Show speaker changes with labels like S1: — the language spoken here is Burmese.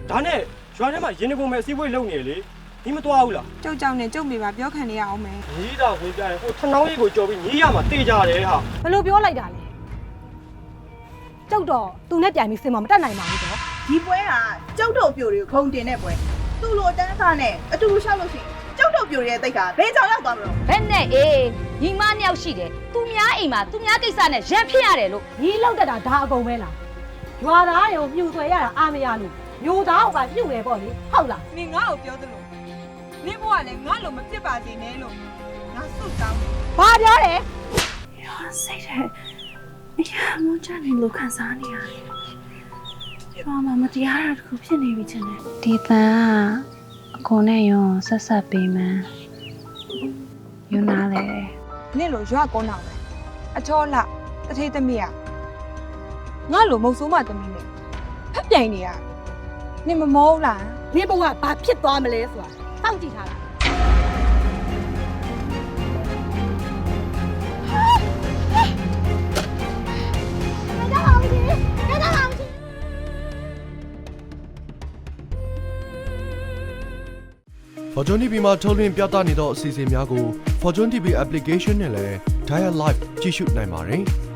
S1: ဒါနဲ့ရွာထဲမှာရင်းနှီးပုံမဲ့အစည်းအဝေးလုပ်နေလေဒီမသွားဘူးလား
S2: ကျုပ်ကြောင့်နဲ့ကျုပ်မိပါပြောခံနေရအောင်မယ်
S1: ညီးတာဝင်ပြရင်ဟိုထနှောင်းရိပ်ကိုကြော်ပြီးညီးရမှာတေးကြတယ်ဟာ
S3: ဘယ်လိုပြောလိုက်တာလဲကျုပ်တော့သူနဲ့ပြန်ပြီးစင်မမတက်နိုင်ပါဘူးတော့
S4: ဒီပွဲကကျုပ်တို့ပြိုတွေကိုခုံတင်တဲ့ပွဲသူ့လိုတန်းစားနဲ့အတူတူရှောက်လို့ရှိရင်ကျုပ်တို့ပြိုရဲ့တိတ်ကဘယ်ကြောင်ရောက်သွားမလို့
S5: ဘယ်နဲ့အေးညီမနှစ်ယောက်ရှိတယ်သူများအိမ်မှာသူများကိစ္စနဲ့ရံဖြစ်ရတယ်လို့
S3: ညီလောက်တက်တာဒါအကုန်ပဲလားရွာသားတွေကိုမြှူဆွဲရတာအားမရလို့မျိုးသားကမြှူတယ်ပေါ့လေဟုတ်လား
S2: နင်ငါ့ကိုပြောသလိုနင်ဘဝလည်းငါ့လိုမဖြစ်ပါစေနဲ့လို့ငါစုတောင်းတယ်
S3: ဘာပြောလဲ
S6: စိတ်ထဲအရာမကြနိုင်လို့ခံစားနေရတယ်ရွာမှာမတရားတာတခုဖြစ်နေပြီချင်တယ်ဒီတန်ကအကုန်နဲ့ရောဆက်ဆက်ပေးမှန်းယူနာလေ
S2: နင်လိုရွာကောင်းတော့ပဲအချောလတထေးသမီးကငါ့လိုမုတ်ဆိုးမသမီးနဲ့ဖက်ပြိုင်နေရနင်မမောဘူးလား
S3: နင်းဘဝဘာဖြစ်သွားမလဲဆိုတာစောင့်ကြည့်ထားတာ
S7: Fortune TV မှာထုတ်လွှင့်ပြသနေသောအစီအစဉ်များကို Fortune TV application နဲ့လည်း Dial Live ကြည့်ရှုနိုင်ပါတယ်။